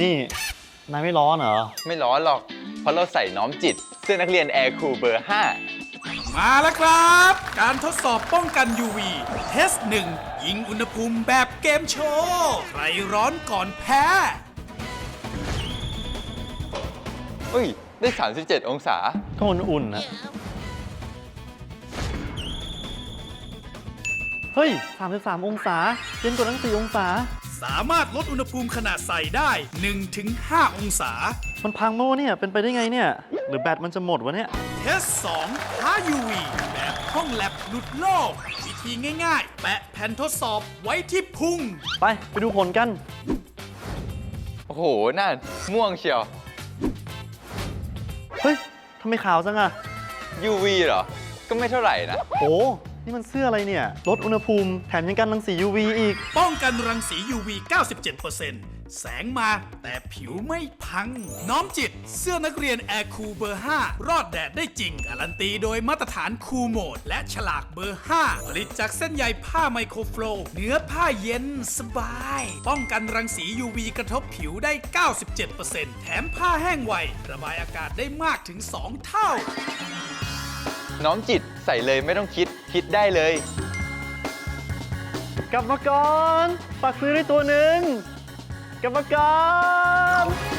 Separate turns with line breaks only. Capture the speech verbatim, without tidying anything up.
นี่นายไม่ร้อนเหรอ
ไม่ร้อนหรอกเพราะเราใส่น้อมจิตเสื้อนักเรียนแอร์คูลเบอร์ห้า
มาแล้วครับ การทดสอบป้องกัน ยู วี เทสหนึ่งยิงอุณหภูมิแบบเกมโชว์ใครร้อนก่อนแพ้
เฮ้ย ได้ สามสิบเจ็ด องศา
ก็อุ่นๆนะเฮ้ยสามสิบสามองศาเย็นกว่าตั้งสี่องศา
สามารถลดอุณหภูมิขณะใส่ได้ หนึ่งถึงห้า องศา
มันพังโม่เนี่ยเป็นไปได้ไงเนี่ยหรือแบตมันจะหมดวะเนี่ย
เทสสองท้า ยู วี แบบห้องแลบหลุดโลกวิธีง่ายๆแปะแผ่นทดสอบไว้ที่พุง
ไปไปดูผลกัน
โอ้โหน่าม่วงเชียว
เฮ้ยทำไมขาวจังอะ
ยู วี เหรอก็ไม่เท่าไหร่นะ
โอ้นี่มันเสื้ออะไรเนี่ยลดอุณหภูมิแถมยังกันรังสี ยู วี อีก
ป้องกันรังสี ยู วี เก้าสิบเจ็ดเปอร์เซ็นต์ แสงมาแต่ผิวไม่พังน้อมจิตเสื้อนักเรียนแอร์คูลเบอร์ห้ารอดแดดได้จริงการันตีโดยมาตรฐานคูลโหมดและฉลากเบอร์ห้าผลิตจากเส้นใยผ้าไมโครโฟลว์เนื้อผ้าเย็นสบายป้องกันรังสี ยู วี กระทบผิวได้ เก้าสิบเจ็ดเปอร์เซ็นต์ แถมผ้าแห้งไวระบายอากาศได้มากถึงสองเท่า
น้อมจิตใส่เลยไม่ต้องคิดคิดได้เลย
กลับมาก่อนฝากซื้อได้ตัวหนึ่งกลับมาก่อน